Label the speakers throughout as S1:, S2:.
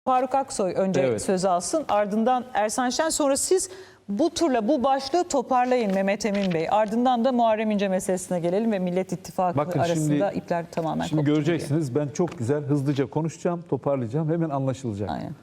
S1: Faruk Aksoy önce söz alsın, ardından Ersan Şen, sonra siz bu turla bu başlığı toparlayın Mehmet Emin Bey. Ardından da Muharrem İnce meselesine gelelim ve Millet İttifakı arasında ipler tamamen
S2: Şimdi göreceksiniz diye. Ben çok güzel hızlıca konuşacağım, toparlayacağım, hemen anlaşılacak.
S1: Aynen.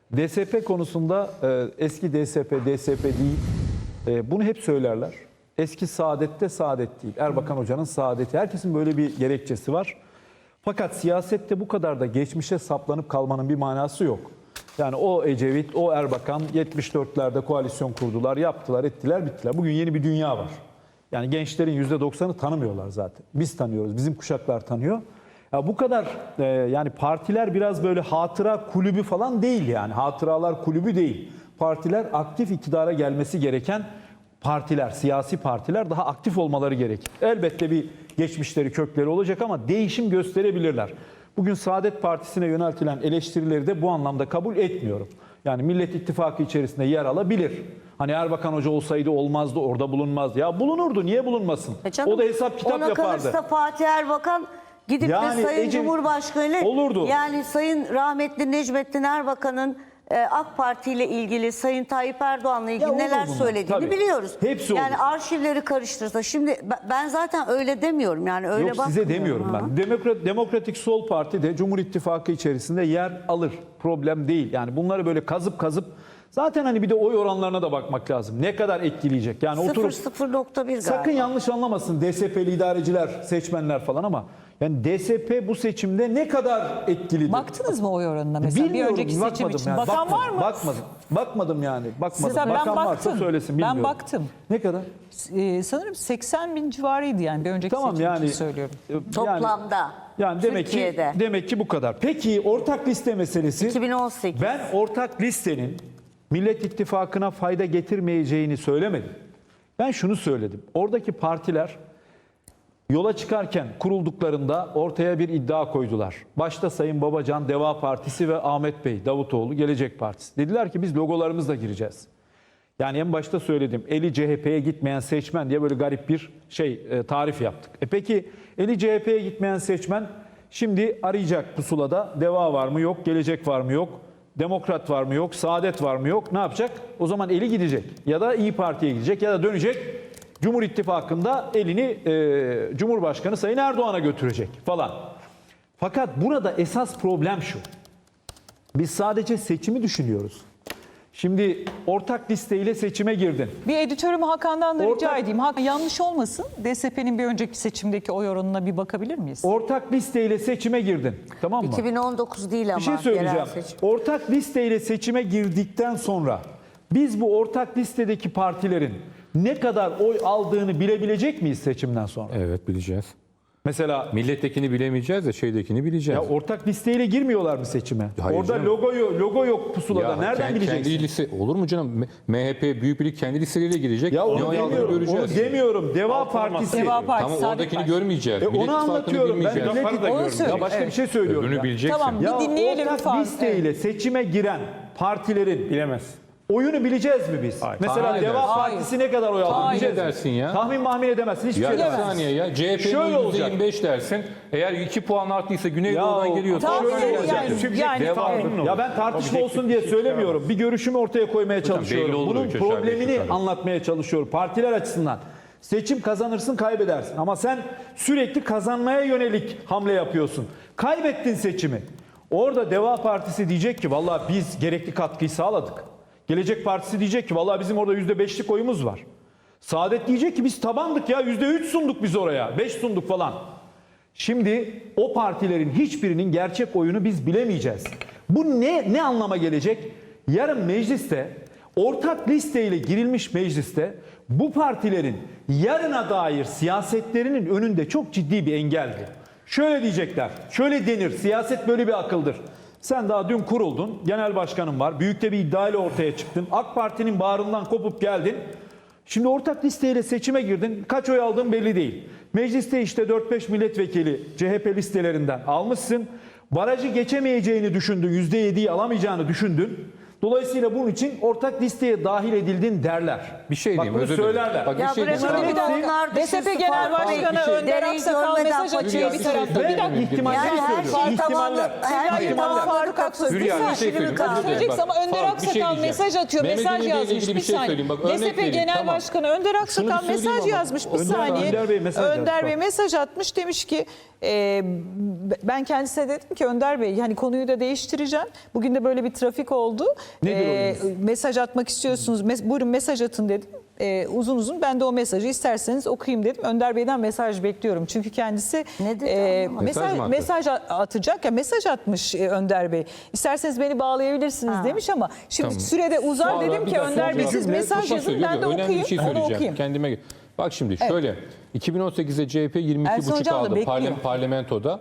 S2: DSP konusunda eski DSP değil. Bunu hep söylerler. Eski saadette saadet değil. Erbakan Hoca'nın saadeti. Herkesin böyle bir gerekçesi var. Fakat siyasette bu kadar da geçmişe saplanıp kalmanın bir manası yok. Yani o Ecevit, o Erbakan 74'lerde koalisyon kurdular, yaptılar, ettiler, bittiler. Bugün yeni bir dünya var. Yani gençlerin %90'ı tanımıyorlar zaten. Biz tanıyoruz, bizim kuşaklar tanıyor. Ya bu kadar yani partiler biraz böyle hatıra kulübü falan değil yani. Hatıralar kulübü değil. Partiler aktif iktidara gelmesi gereken partiler, siyasi partiler daha aktif olmaları gerekir. Elbette bir geçmişleri, kökleri olacak ama değişim gösterebilirler. Bugün Saadet Partisi'ne yöneltilen eleştirileri de bu anlamda kabul etmiyorum. Yani Millet İttifakı içerisinde yer alabilir. Hani Erbakan Hoca olsaydı olmazdı, orada bulunmazdı. Ya bulunurdu, niye bulunmasın?
S3: Canım,
S2: o da hesap kitap
S3: ona
S2: yapardı.
S3: Ona kalırsa Fatih Erbakan gidip
S2: yani
S3: de Sayın Cumhurbaşkanı ile
S2: olurdu.
S3: Yani Sayın rahmetli Necmettin Erbakan'ın AK Parti ile ilgili, Sayın Tayyip Erdoğan'la ilgili neler söylediğini
S2: tabii
S3: biliyoruz.
S2: Hepsi
S3: yani
S2: olur.
S3: Arşivleri karıştırsa. Şimdi ben zaten öyle demiyorum. Yani öyle
S2: Yok, size demiyorum ben. Demokratik Sol Parti de Cumhur İttifakı içerisinde yer alır. Problem değil. Yani bunları böyle kazıp zaten hani bir de oy oranlarına da bakmak lazım. Ne kadar etkileyecek? Yani oturup
S3: 0.1 galiba.
S2: Sakın yanlış anlamasın DSP'li idareciler, seçmenler falan ama yani DSP bu seçimde ne kadar etkilidir?
S1: Baktınız mı oy oranına mesela?
S2: Bilmiyorum,
S1: bir önceki seçim için.
S2: yani.
S1: Bakan var mı?
S2: Bakmadım yani. Bakmadım.
S1: Size,
S2: Bakan varsa söylesin, bilmiyorum.
S1: Ben baktım.
S2: Ne kadar?
S1: Sanırım 80 bin civarıydı yani bir önceki seçim için söylüyorum.
S3: Toplamda.
S2: Yani demek ki bu kadar. Peki ortak liste meselesi.
S3: 2018.
S2: Ben ortak listenin Millet İttifakı'na fayda getirmeyeceğini söylemedim. Ben şunu söyledim. Oradaki partiler yola çıkarken kurulduklarında ortaya bir iddia koydular. Başta Sayın Babacan, Deva Partisi ve Ahmet Bey, Davutoğlu, Gelecek Partisi. Dediler ki biz logolarımızla gireceğiz. Yani en başta söyledim. Eli CHP'ye gitmeyen seçmen diye böyle garip bir tarif yaptık. Peki eli CHP'ye gitmeyen seçmen şimdi arayacak pusulada. Deva var mı yok, Gelecek var mı yok, Demokrat var mı yok, Saadet var mı yok. Ne yapacak? O zaman eli gidecek. Ya da İyi Parti'ye gidecek ya da dönecek. Cumhur İttifakı'nda elini Cumhurbaşkanı Sayın Erdoğan'a götürecek falan. Fakat burada esas problem şu. Biz sadece seçimi düşünüyoruz. Şimdi ortak listeyle seçime girdin.
S1: Bir editörümü Hakan'dan da rica edeyim. Hakan, yanlış olmasın. DSP'nin bir önceki seçimdeki oy oranına bir bakabilir miyiz?
S2: Ortak listeyle seçime girdin. Tamam mı?
S3: 2019 değil ama.
S2: Bir şey söyleyeceğim. Ortak listeyle seçime girdikten sonra biz bu ortak listedeki partilerin ne kadar oy aldığını bilebilecek miyiz seçimden sonra?
S4: Evet, bileceğiz.
S2: Mesela
S4: millettekini bilemeyeceğiz de şeydekini bileceğiz.
S2: Ya ortak listeyle girmiyorlar mı seçime?
S4: Hayır
S2: orada
S4: canım.
S2: logo yok pusulada. Nereden bileceksin?
S4: Kendi liste olur mu canım? MHP Büyük Birlik kendi listeleriyle girecek.
S2: Ya onu
S4: oy aldığını
S2: demiyorum. Onu demiyorum. Deva Partisi.
S1: Deva Partisi.
S4: Tamam,
S1: Saadet
S4: oradakini
S1: Partisi.
S4: görmeyeceğiz. Millet
S2: Onu
S4: İttifakı'nı
S2: anlatıyorum. Ben
S4: bilmeyeceğiz.
S2: ya başka bir şey söylüyorum.
S4: Öbürünü
S2: ya.
S4: bileceksin.
S1: Tamam,
S2: Ya
S1: bir dinleyelim.
S2: ortak listeyle seçime giren partilerin
S5: bilemez.
S2: oyunu bileceğiz mi biz?
S5: Hayır.
S2: Mesela
S4: Tahmin
S2: Deva
S4: edersin.
S2: Partisi ne kadar oy aldı?
S1: Hayır.
S2: Bileceğiz mi?
S4: Dersin ya.
S2: Tahmin edemezsin. Hiçbir
S4: Ya
S2: şey
S4: bir
S2: demezsin.
S4: saniye ya.
S2: Şöyle
S4: CHP'nin
S2: olacak.
S4: %25 dersin. Eğer 2 puan arttıysa Güneydoğu'dan geliyorsa.
S1: Tamam,
S2: şöyle olacak. Ya ben tartışma olsun diye söylemiyorum. Bir görüşümü ortaya koymaya çalışıyorum.
S4: belli olur
S2: Bunun
S4: üç aşağı beş
S2: problemini
S4: yukarı.
S2: anlatmaya çalışıyorum. Partiler açısından. Seçim kazanırsın, kaybedersin. Ama sen sürekli kazanmaya yönelik hamle yapıyorsun. Kaybettin seçimi. Orada Deva Partisi diyecek ki vallahi biz gerekli katkıyı sağladık. Gelecek Partisi diyecek ki vallahi bizim orada %5'lik oyumuz var. Saadet diyecek ki biz tabandık ya, %3 sunduk biz oraya, 5 sunduk falan. Şimdi o partilerin hiçbirinin gerçek oyunu biz bilemeyeceğiz. Bu ne anlama gelecek? Yarın mecliste, ortak listeyle girilmiş mecliste bu partilerin yarına dair siyasetlerinin önünde çok ciddi bir engeldi. Şöyle diyecekler, şöyle denir, siyaset böyle bir akıldır. Sen daha dün kuruldun, genel başkanın var, büyük de bir iddiayla ortaya çıktın. AK Parti'nin bağrından kopup geldin. Şimdi ortak listeyle seçime girdin, kaç oy aldığın belli değil. Mecliste işte 4-5 milletvekili CHP listelerinden almışsın. Barajı geçemeyeceğini düşündün, %7'yi alamayacağını düşündün. Dolayısıyla bunun için ortak listeye dahil edildin derler.
S4: Bir şey
S2: Bak
S4: diyeyim,
S2: bunu
S4: özür dilerim.
S2: söylerler.
S4: Bak bir
S3: Ya
S4: şey
S3: bırakın
S4: diyeyim.
S3: bir de onlar dışı
S1: DSP Genel
S3: farklı
S1: Başkanı
S3: bir şey.
S1: Önder
S3: Dereyi
S1: Aksakal
S3: görmeden
S1: mesaj atıyor
S3: kaçıyor.
S1: bir tarafta.
S2: Ve
S1: Bir dakika.
S2: ihtimalleri
S3: Yani her
S2: söylüyorum.
S3: şey
S2: İhtimaller.
S3: tamamlandı. Her şey
S1: Hayır,
S2: İhtimaller.
S1: Faruk Aksoy.
S4: Hülya,
S1: Bir
S4: bir şey
S1: saniye.
S4: söyleyeyim.
S1: Bak,
S4: Özür dilerim.
S1: söyleyeceksin ama
S4: Bak,
S1: Önder
S4: Faruk, bir şey
S1: Aksakal
S4: diyeceğim.
S1: mesaj atıyor.
S4: Mehmet
S1: Mesaj
S4: Emin Bey'le
S1: yazmış.
S4: ilgili
S1: Bir
S4: bir şey
S1: saniye.
S4: söyleyeyim. Bak, örnek
S1: DSP
S4: vereyim,
S1: Genel
S4: tamam.
S1: Başkanı Önder Aksakal
S4: Şunu söyleyeyim
S1: mesaj
S4: ama.
S1: yazmış. Bir
S2: Önder-
S1: saniye.
S2: Önder Bey mesaj yazmış,
S1: Önder Bey
S2: bak.
S1: mesaj atmış. Demiş ki ben kendisine dedim ki Önder Bey hani konuyu da değiştireceğim. Bugün de böyle bir trafik oldu.
S2: Nedir o
S1: Mesaj atmak istiyorsunuz. Buyurun mesaj atın dedim. Uzun uzun ben de o mesajı isterseniz okuyayım dedim. Önder Bey'den mesaj bekliyorum. Çünkü kendisi
S3: Ne dedi anlamadım.
S4: Mesaj mı attı?
S1: mesaj atacak ya mesaj atmış Önder Bey. İsterseniz beni bağlayabilirsiniz demiş ama şimdi
S4: Tamam.
S1: sürede uzar
S4: Sonra
S1: dedim
S4: bir
S1: ki
S4: dakika,
S1: Önder Bey
S4: sonra
S1: siz
S4: cümle,
S1: mesaj
S4: Mustafa
S1: yazın
S4: söylüyor.
S1: ben de
S4: Önemli
S1: okuyayım.
S4: bir şey
S1: Onu
S4: söyleyeceğim.
S1: okuyayım.
S4: Kendime bak şimdi şöyle 2018'de CHP 22,5
S1: Ersoy Hocam da
S4: aldı
S1: bekliyor.
S4: parlamentoda.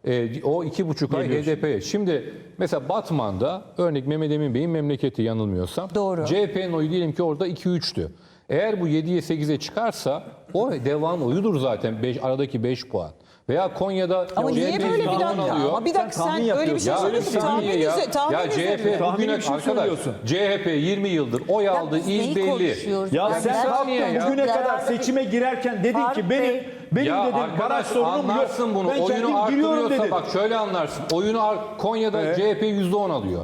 S4: O 2,5 ay
S2: Geliyor.
S4: HDP'ye. Şimdi mesela Batman'da örnek Mehmet Emin Bey'in memleketi yanılmıyorsam.
S1: Doğru.
S4: CHP'nin oyu diyelim ki orada 2-3'tü. Eğer bu 7'ye 8'e çıkarsa o devam oyudur zaten aradaki 5 puan. Veya Konya'da
S1: Ama niye
S4: CHP
S1: böyle bir
S4: %10
S1: dakika?
S4: alıyor.
S1: Ama bir dakika
S2: Sen tahmin
S1: sen öyle bir şey
S2: yapıyorsun.
S4: Ya öyle bir
S1: söylüyorsun.
S4: şey değil ya.
S1: Tahmin
S4: Ya CHP
S2: Tahmini
S4: bugüne
S2: bir şey
S4: arkadaş
S2: söylüyorsun.
S4: CHP 20 yıldır oy aldı,
S3: biz
S4: il
S3: neyi
S4: belli.
S3: konuşuyoruz?
S2: Ya
S3: Ben
S2: sen
S3: gerçekten
S4: saniye ya.
S2: bugüne kadar
S3: Kararlı bir-
S2: seçime girerken dedin
S3: Faruk
S2: ki
S3: Bey.
S2: benim
S4: Ya
S2: dedim
S4: arkadaş
S2: baraj sorunum yok.
S4: anlarsın bunu.
S2: Ben
S4: Oyunu
S2: kendim giriyorum
S4: arttırıyorsa
S2: dedin.
S4: bak şöyle anlarsın. Konya'da CHP %10 alıyor.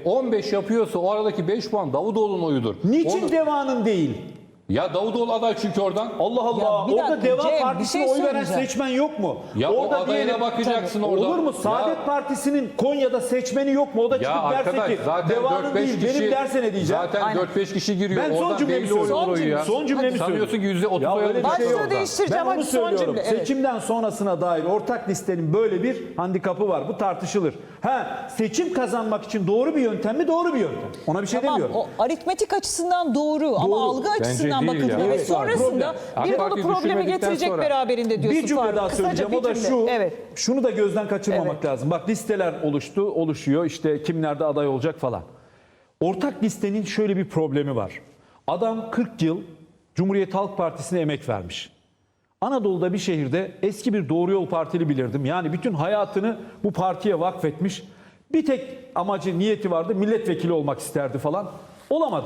S4: 15 yapıyorsa o aradaki 5 puan Davutoğlu'nun oyudur.
S2: Niçin
S4: Onu-
S2: devanın değil?
S4: Ya Davutoğlu aday çünkü oradan.
S2: Allah Allah.
S1: Ya bir
S2: Orada
S1: dakika,
S2: Deva
S1: Cem, bir
S2: Partisi'ne
S1: şey
S2: oy veren
S1: söyleyeceğim.
S2: seçmen yok mu?
S4: Ya o
S2: orada
S4: adayına bakacaksın orada.
S2: Olur mu? Saadet
S4: Ya-
S2: Partisi'nin Konya'da seçmeni yok mu? O da
S4: Ya
S2: çıkıp
S4: arkadaş
S2: derse ki
S4: zaten
S2: Deva'nın
S4: 4-5
S2: değil
S4: kişi
S2: benim derse ne diyeceğim?
S4: zaten
S1: Aynen.
S4: 4-5 kişi giriyor.
S2: Ben son
S4: Oradan
S2: cümlemi
S4: belli olur
S2: söylüyorum.
S4: oyu ya.
S2: Son cümlemi
S4: Sanıyorsun
S2: söylüyorum.
S4: ki %30
S2: Ya
S4: oy
S2: öyle bir
S4: alacak.
S2: şey yok.
S1: Başlığı değiştireceğim.
S2: Ben onu
S1: Hadi son
S2: söylüyorum.
S1: cümle, evet.
S2: Seçimden sonrasına dair ortak listenin böyle bir handikapı var. Bu tartışılır. Seçim kazanmak için doğru bir yöntem mi? Doğru bir yöntem. Ona bir şey
S1: Tamam
S2: demiyorum.
S1: o aritmetik açısından doğru ama algı açısından
S4: değil
S1: bakılıyor.
S4: ya.
S1: Ve
S2: Evet,
S1: sonrasında
S4: AK
S1: bir dolu
S4: Parti'yi
S1: problemi
S4: düşürmedikten
S1: getirecek
S4: sonra-
S1: beraberinde diyorsun.
S2: Bir cümle
S1: Faruk.
S2: daha
S1: Kısaca
S2: söyleyeceğim.
S1: bir
S2: O da
S1: cümle.
S2: şu.
S1: Evet.
S2: Şunu da gözden kaçırmamak
S1: Evet.
S2: lazım. Bak listeler oluşuyor. İşte kimlerde aday olacak falan. Ortak listenin şöyle bir problemi var. Adam 40 yıl Cumhuriyet Halk Partisi'ne emek vermiş. Anadolu'da bir şehirde eski bir Doğru Yol Partili bilirdim. Yani bütün hayatını bu partiye vakfetmiş. Bir tek amacı, niyeti vardı. Milletvekili olmak isterdi falan. Olamadı.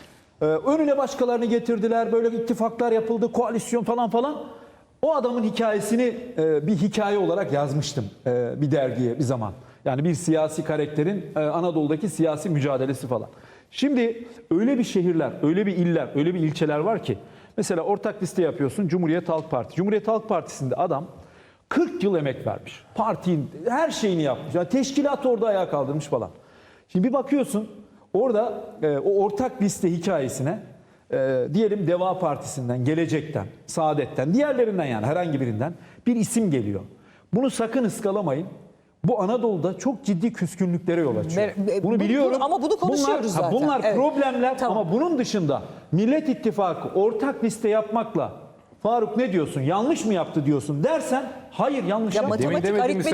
S2: Önüne başkalarını getirdiler. Böyle ittifaklar yapıldı. Koalisyon falan. O adamın hikayesini bir hikaye olarak yazmıştım bir dergiye bir zaman. Yani bir siyasi karakterin Anadolu'daki siyasi mücadelesi falan. Şimdi öyle bir şehirler, öyle bir iller, öyle bir ilçeler var ki. Mesela ortak liste yapıyorsun Cumhuriyet Halk Partisi. Cumhuriyet Halk Partisi'nde adam 40 yıl emek vermiş. Partinin her şeyini yapmış. Yani teşkilat orada ayağa kaldırmış falan. Şimdi bir bakıyorsun orada o ortak liste hikayesine diyelim Deva Partisi'nden, Gelecek'ten, Saadet'ten, diğerlerinden yani herhangi birinden bir isim geliyor. Bunu sakın ıskalamayın. Bu Anadolu'da çok ciddi küskünlüklere yol açıyor. Bunu biliyorum.
S1: Ama bunu konuşuyoruz zaten.
S2: Bunlar
S1: Evet.
S2: problemler
S1: Tamam.
S2: ama bunun dışında Millet İttifakı ortak liste yapmakla Faruk ne diyorsun? Yanlış mı yaptı diyorsun dersen hayır yanlış
S1: Ya
S2: yapmadı.
S1: matematik,
S4: demedim mi
S1: aritmetik